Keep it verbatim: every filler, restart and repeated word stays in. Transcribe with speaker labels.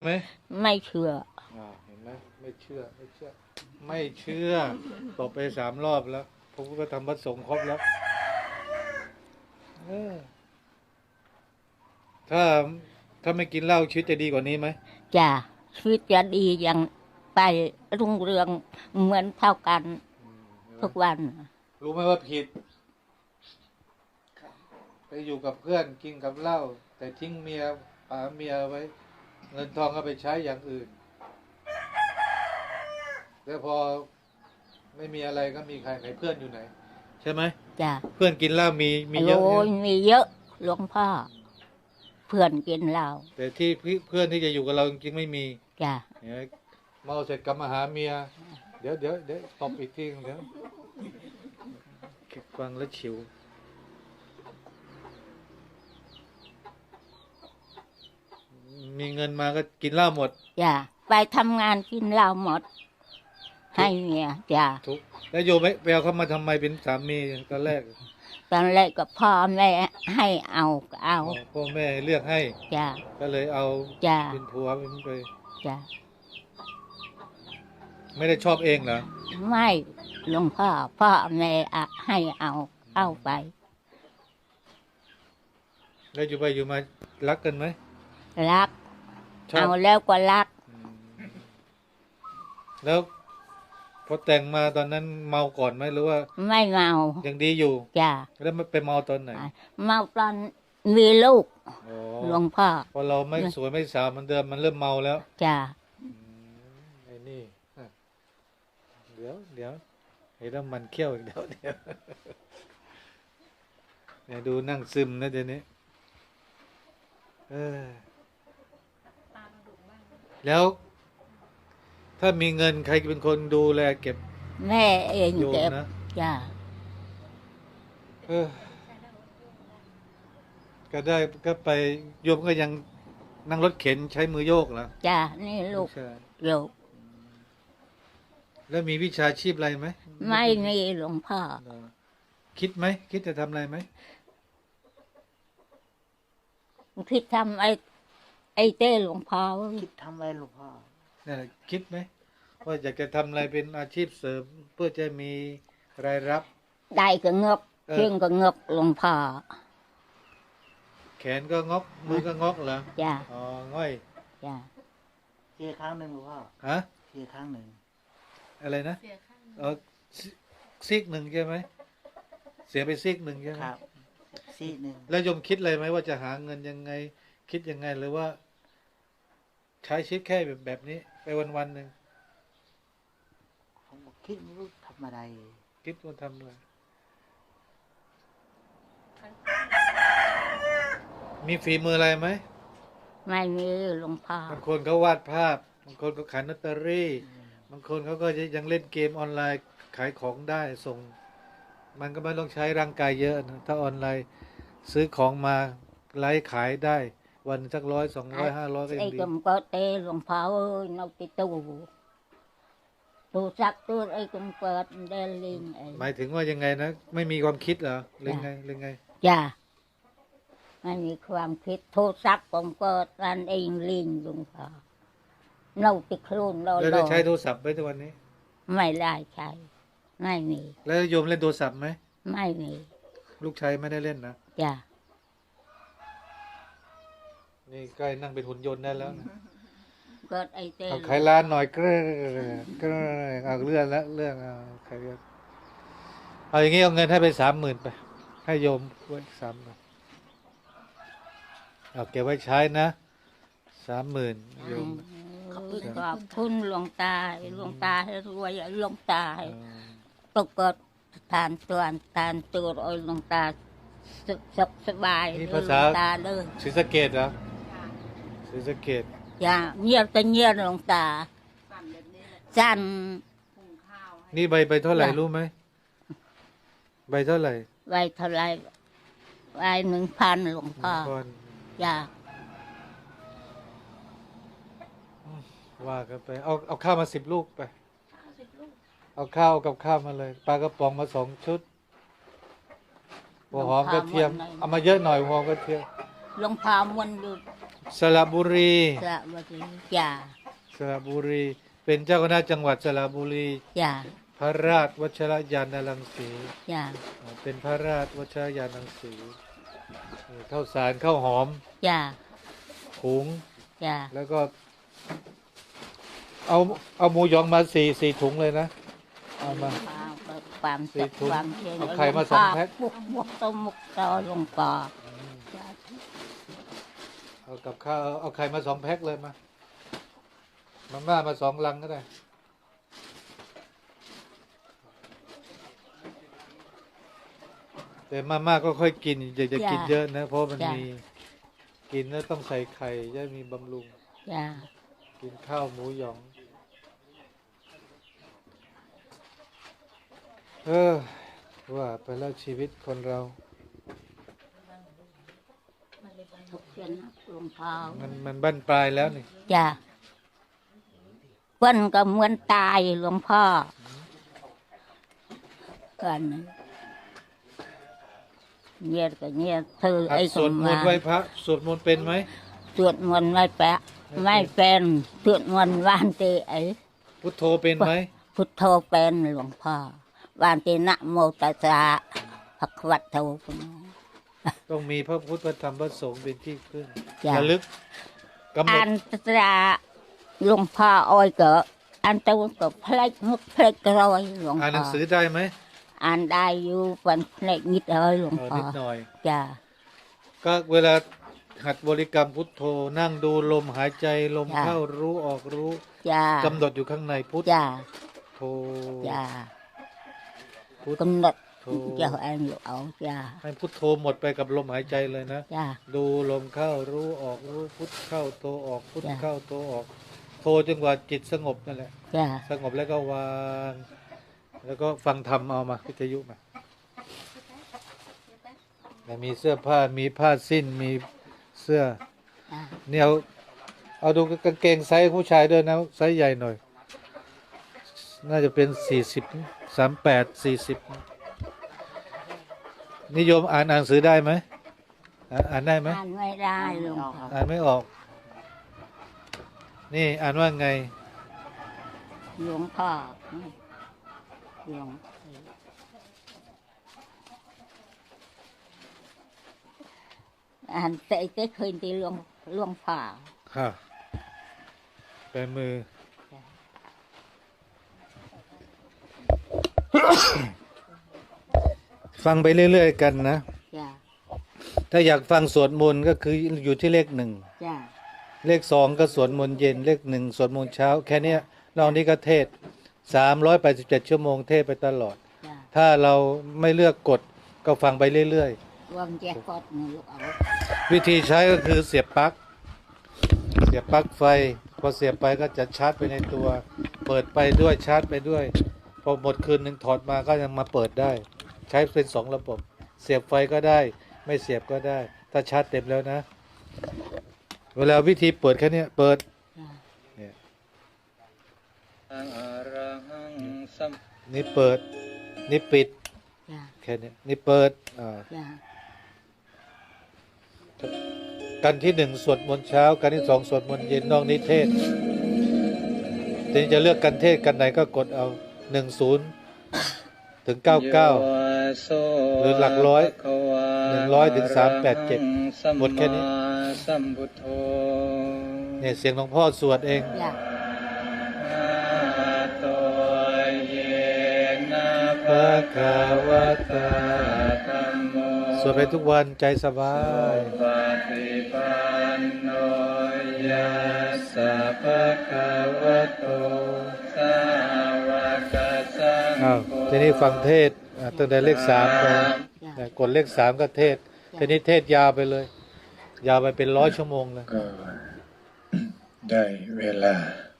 Speaker 1: ไหม
Speaker 2: ไม่เชื่อ
Speaker 1: อ่าเห็นไหมไม่เชื่อไม่เชื่อไม่เชื่อตบไปสามรอบแล้วผมก็ทำวัดสงฆ์ครบแล้วเออถ้าถ้าไม่กินเหล้าชีวิตจะดีกว่านี้ไหม
Speaker 2: จ้ะชีวิตจะดีอย่างไปรุ่งเรืองเหมือนเท่ากันทุกวัน
Speaker 1: รู้ไหมว่าผิดไปอยู่กับเพื่อนกินกับเหล้าแต่ทิ้งเมียป๋าเมียไว้ เงินทองก็ไปใช้อย่างอื่นแล้วพอไม่มีอะไรก็มีใครไหนเพื่อนอยู่ไหนใช่ไหม
Speaker 2: จ้ะ
Speaker 1: เพื่อนกินเหล้ามีมีเยอะ
Speaker 2: โอ้ยมีเยอะหลวงพ่อเพื่อนกินเหล้า
Speaker 1: แต่ที่เพื่อนที่จะอยู่กับเราจริงๆไม่มี
Speaker 2: จ้ะ
Speaker 1: เนี่ยเมาเสร็จกลับมาหาเมียเดี๋ยวเดี๋ยวเดี๋ยวตบอีกทีเดี๋ยวฟังแล้วฉิวมีเงินมาก็กินเหล้าหมด
Speaker 2: จ้ะไปทำงานกินเหล้าหมดให้เมียจ้ะ
Speaker 1: ทุกแล้วโยมไปเอาเขามาทำไมเป็นสามีตอนแรก
Speaker 2: ตอนแรกก็พ่อแม่ให้เอาก็เอา
Speaker 1: พ่อแม่เลือกให้
Speaker 2: จ้ะ
Speaker 1: ก็เลยเอา
Speaker 2: จ้ะ
Speaker 1: เป็นผัวเป็นไป
Speaker 2: จ้ะ
Speaker 1: ไม่ได้ชอบเองเหรอ
Speaker 2: ไม่หลวงพ่อพ่อแม่ให้เอาเอาไป
Speaker 1: แล้วอยู่ไปอยู่มารักกันไหม
Speaker 2: รักเอาแล้วก็รัก
Speaker 1: แล้วพอแต่งมาตอนนั้นเมาก่อนไหมหรือว่า
Speaker 2: ไม่เมา
Speaker 1: ยังดีอยู่
Speaker 2: จ้ะ
Speaker 1: แล้วมันไปเมาตอนไหน
Speaker 2: เมาตอนมีลูกหลวงพ่อ
Speaker 1: พอเราไม่สวยไม่สาวมันเดิมมันเริ่มเมาแล้ว
Speaker 2: จ้ะ
Speaker 1: ไอ้นี่เดี๋ยวเดี๋ยวไอ้แล้วมันเขี้ยวเดี๋ยวเดี๋ยวเนี่ยดูนั่งซึมนะเดี๋ยวนี้เออแล้วถ้ามีเงินใครเป็นคนดูแลเก็บ
Speaker 2: แม่เองเก็บนะจ้า
Speaker 1: เออก็ได้ก็ไปโยมก็ยังนั่งรถเข็นใช้มือโยกเหรอ
Speaker 2: จ้านี่ลูกโยก
Speaker 1: แล้วมีวิชาชีพอะไรไหม
Speaker 2: ไม่มีหลวงพ่อ
Speaker 1: คิดไหมคิดจะทำอะไรไหม
Speaker 2: คิดทำไอ้ไอ้เต้หลวงพ่อ
Speaker 3: คิดทำอะไรหลวงพ่อ
Speaker 1: เนี่ยคิดไหมว่าอยากจะทำอะไรเป็นอาชีพเสริมเพื่อจะมีรายรับ
Speaker 2: ได้ก็เงบเพียงก็เงบหลวงพ่อ
Speaker 1: แขนก็งอกมือก็งอกเหรอ
Speaker 2: จ้า
Speaker 1: อ๋อง่อย
Speaker 2: จ้า
Speaker 3: เสียครั้งหนึ่งหลวงพ่อ
Speaker 1: ฮะ
Speaker 3: เสียครั้งหนึ่ง
Speaker 1: อะไรนะเออซีกหนึ่งใช่ไหมเสียไปซีกหนึ่งใช่ไหม
Speaker 3: ครับซีกหนึ่ง
Speaker 1: แล้วยมคิดเลยไหมว่าจะหาเงินยังไงคิดยังไงหรือว่าใช้ชีวิตแค่แบบแบบนี้ไปวันวันหนึ่ง
Speaker 3: ผมคิดไม่รู้ทำอะไร
Speaker 1: คิดว่าทำอะไรมีฝีมืออะไรไหม
Speaker 2: ไม่มีหลวงพ่อบ
Speaker 1: างคนเขาวาดภาพบางคนก็ขายลอตเตอรี่บางคนเขาก็ยังเล่นเกมออนไลน์ขายของได้ส่งมันก็ไม่ต้องใช้ร่างกายเยอะนะถ้าออนไลน์ซื้อของมาไลฟ์ขายได้วันสักร้อยสองร้อยห้าร้อยก็ยังดี
Speaker 2: ไอ้กำก็เตะหลวงพ่อเอ้ยนกติตูตูสักตัวไอ้กำเปิดเดลิง
Speaker 1: หมายถึงว่ายังไงนะไม่มีความคิดเหรอหรือไงหรือไง
Speaker 2: จ้าไม่มีความคิดโทรศัพท์ผมเปิดอันเองลิงหลวงพ่อเน่าติดครูนเรา
Speaker 1: แล้วใช้โทรศัพท์ไหมทุกวันนี้
Speaker 2: ไม่ได้ใช้ไม่มี
Speaker 1: แล้วโยมเล่นโทรศัพท์ไหม
Speaker 2: ไม่มี
Speaker 1: ลูกชายไม่ได้เล่นนะ
Speaker 2: จ้า
Speaker 1: นี่ใกล้นั่งเป็นหุ่นยนต์ได้แล้วนะ
Speaker 2: เกิดไอเต้
Speaker 1: เอาขายร้านหน่อยก็ก็เอาเรื่องละเรื่องเอาขายเอาอย่างงี้เอาเงินให้ไปสามหมื่นไปให้โยมไว้สามหมื่นเอาเก็บไว้ใช้นะสามหมื่นโยม
Speaker 2: ขอบคุณหลวงตาหลวงตาให้รวยหลวงตาตกกดทานตัวทานตัวโอ้ยหลวงตาสุขสบาย
Speaker 1: นี่ภาษา
Speaker 2: ตาเลย
Speaker 1: ศรีสะเกษเหรอศรีสะเกษ
Speaker 2: อย่าเงียบแต่เงียบหลวงตาสั่น
Speaker 1: นี่ใบใบเท่าไหร่รู้ไหมใบเท่าไหร่
Speaker 2: ใบเท่าไหร่ใบหนึ่งพันหลวงพ่ออย่า
Speaker 1: ว่ากันไปเอาเอาข้าวมาสิบลูกไปเอาข้าวกับข้าวมาเลยปลากระป๋องมาสองชุดหัวหอมกระเทียมเอามาเยอะหน่อยหัวหอมกระเทียม
Speaker 2: หลวงพ่อมันดู
Speaker 1: สระบุรี
Speaker 2: สระบุรีจ้า
Speaker 1: สระบุรี เป็นเจ้าคณะจังหวัดสระบุรี
Speaker 2: จ้า
Speaker 1: พระราชวชรยานรังสี
Speaker 2: จ้า
Speaker 1: อ่าเป็นพระราชวชรยานรังสีเออข้าวสารข้าวหอม
Speaker 2: จ้า
Speaker 1: หุง
Speaker 2: จ้า
Speaker 1: แล้วก็ เอาเอาหมูหยองมาสี่สี่ถุงเลยนะ เอามา
Speaker 2: ความ
Speaker 1: สี่
Speaker 2: สุข
Speaker 1: ถุง
Speaker 2: ความเชื่อ
Speaker 1: เอาไข่มาสองแพ็ค
Speaker 2: บุกบุกตมุกตอลงปอจ้า
Speaker 1: เอากับข้าวเอาเอาไข่มาสองแพ็คเลยมา มาม่ามาสองลังก็ได้ แต่มาม่าก็ค่อยกินอย่าจะกินเยอะนะ เพราะมันมีกินแล้วต้องใส่ไข่จะมีบำรุง
Speaker 2: จ้า
Speaker 1: กินข้าวหมูหยอง เออ ว่าไปแล้วชีวิตคนเรา
Speaker 2: ทุกเช้านักหลวงพ่อ
Speaker 1: มันมันบั้นปลายแล้วนี่
Speaker 2: จ้าเปิ้นก็เหมือนตายหลวงพ่อกันเงียก็เงียเธอ
Speaker 1: หัด
Speaker 2: ไอ้
Speaker 1: สวดมนต์ไหว้พระสวดมนต์เป็นไหม
Speaker 2: สวดมนต์ไม่แปะไม่เป็นสวดมนต์วานเตไอ้
Speaker 1: พุทโธเป็นไหม
Speaker 2: พุทโธเป็นหลวงพ่อวานเตนะโมตัสสะภะคะวะโต
Speaker 1: ต้องมีพระพุทธพระธรรมพระสงฆ์เป็นที่พึ่ง
Speaker 2: จ้ะ
Speaker 1: ระลึกกำหน
Speaker 2: อั
Speaker 1: ด
Speaker 2: นตราหลวงพ่ออ้อยก็อันตัวก็เพลกมุกเพลกรอยหลวง
Speaker 1: อ่านห
Speaker 2: พ่
Speaker 1: นั
Speaker 2: อง
Speaker 1: สือได้ไหม
Speaker 2: อ่านได้อยู่เป็นเพลกนิดเลยหลวง
Speaker 1: เออ
Speaker 2: พ่อ
Speaker 1: นิดหน่อย
Speaker 2: จ้า
Speaker 1: ก็เวลาหัดบริกรรมพุทโธนั่งดูลมหายใจลม
Speaker 2: จ้ะ
Speaker 1: เข้ารู้ออกรู้
Speaker 2: จ้าก
Speaker 1: ำหนดอยู่ข้างในพุท
Speaker 2: จ้า
Speaker 1: โธ
Speaker 2: จ้า
Speaker 1: พุท
Speaker 2: กำหนด
Speaker 1: โธ
Speaker 2: เจ้าอันอยู่เอาจ้า
Speaker 1: ให้พุทโธหมดไปกับลมหายใจเลยนะ
Speaker 2: จ้า
Speaker 1: ดูลมเข้ารู้ออกรู้พุทเข้าโธออกพุท
Speaker 2: จ้ะ
Speaker 1: เข้าโธออกโธจนกว่าจิตสงบนั่นแหละ
Speaker 2: จ้า
Speaker 1: สงบแล้วก็วาง แล้วก็ฟังธรรมเอามาวิทยุมาแล้วมีเสื้อผ้ามีผ้าสิ้นมีเสื้อ
Speaker 2: จ้า
Speaker 1: เนี่ยเอาเอาดูกางเกงไซส์ผู้ชายด้วยนะไซส์ใหญ่หน่อย น่าจะเป็นสี่สิบสามแปดสี่สิบนิยมอ่านหนังสือได้ไหมอ่านอ่านได้ไหม
Speaker 2: อ่านไม่ได้หลวง
Speaker 3: เอา
Speaker 2: พ่อ
Speaker 3: ครับ
Speaker 1: อ่านไม่ออก นี่อ่านว่าไง
Speaker 2: หลวงพ่อหลวงอ่านแต่แต่เคยตีหลวงหลวงพ่อ
Speaker 1: ค่ะแปลมือ ฟังไปเรื่อยๆกันนะ
Speaker 2: จ้า
Speaker 1: ถ้าอยากฟังสวดมนต์ก็คืออยู่ที่เลขหนึ่ง
Speaker 2: จ้า
Speaker 1: เลขสองก็สวดมนต์เย็น เลขหนึ่งสวดมนต์เช้า แค่เนี้ยนอกนี้ก็เทศสามร้อยแปดสิบเจ็ดชั่วโมงเทศไปตลอด
Speaker 2: จ้า
Speaker 1: ถ้าเราไม่เลือกกดก็ฟังไปเรื่อย
Speaker 2: รวมแจกกดนี่ลูกเอา
Speaker 1: ๆ วิธีใช้ก็คือเสียบปลั๊กเสียบปลั๊กไฟ พอเสียบไปก็จะชาร์จไปในตัว เปิดไปด้วยชาร์จไปด้วย พอหมดคืนหนึ่งถอดมาก็ยังมาเปิดได้ ใช้เป็นสองระบบ เสียบไฟก็ได้ ไม่เสียบก็ได้ ถ้าชาร์จเต็มแล้วนะ เวลาวิธีเปิดแค่เนี้ยเปิด
Speaker 2: จ้า
Speaker 1: เนี่ยนี่เปิด นี่ปิด
Speaker 2: จ้า
Speaker 1: แค่เนี้ยนี่เปิดอ่า
Speaker 2: จ้า
Speaker 1: กันที่หนึ่งสวดมนต์เช้า กันที่สองสวดมนต์เย็นนอกนิเทศทีนี้จะเลือกกันเทศกันไหนก็กดเอาหนึ่งศูนย์ถึงเก้าเก้าหรือหลักร้อยหนึ่งร้อยถึงสามแปดเจ็ดหมดแค่นี้เนี่ยเสียงหลวงพ่อสวดเอง
Speaker 2: จ้า
Speaker 1: พระคาวตาสวดไปทุกวันใจสบาย
Speaker 4: ปฏิปันโนยัสสะภะคะวะโตสาวกสัง
Speaker 1: อ้าว
Speaker 4: โฆ
Speaker 1: ทีนี้ฟังเทศอ่าตั้งแต่เลขสามไป
Speaker 2: จ้า
Speaker 1: อ่ากดเลขสามก็เทศทีนี้เทศยาวไปเลย ยาวไปเป็นร้อยชั่วโมงเลย
Speaker 4: ก็ได้เวลา